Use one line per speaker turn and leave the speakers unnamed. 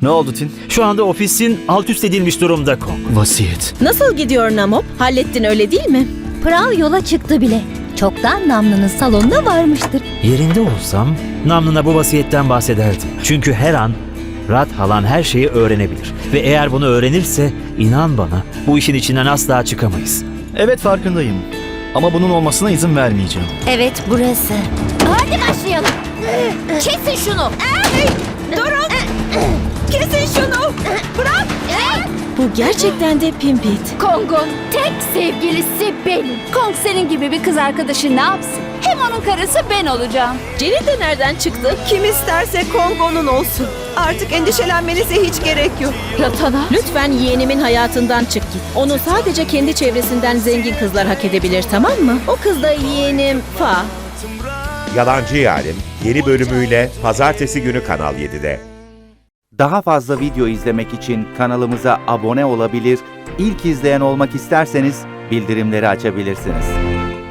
Ne oldu Tin?
Şu anda ofisin alt üst edilmiş durumda Kong.
Vasiyet.
Nasıl gidiyor Namop? Hallettin öyle değil mi?
Pral yola çıktı bile. Çoktan Namlı'nın salonuna varmıştır.
Yerinde olsam Namlı'na bu vasiyetten bahsederdim. Çünkü her an Rat halan her şeyi öğrenebilir. Ve eğer bunu öğrenirse inan bana bu işin içinden asla çıkamayız.
Evet farkındayım. Ama bunun olmasına izin vermeyeceğim.
Evet, burası. Hadi başlayalım. Kesin şunu.
Durun! Kesin şunu! Bırak! Bu gerçekten de Pimpit.
Kong'un tek sevgilisi benim. Kong senin gibi bir kız arkadaşı ne yapsın? Hem onun karısı ben olacağım.
Jenny de nereden çıktı?
Kim isterse Kongo'nun olsun. Artık endişelenmenize hiç gerek yok.
Ratana.
Lütfen yeğenimin hayatından çık git. Onu sadece kendi çevresinden zengin kızlar hak edebilir, tamam mı? O kız da yeğenim Fa.
Yalancı Yarim yeni bölümüyle pazartesi günü Kanal 7'de.
Daha fazla video izlemek için kanalımıza abone olabilir, ilk izleyen olmak isterseniz bildirimleri açabilirsiniz.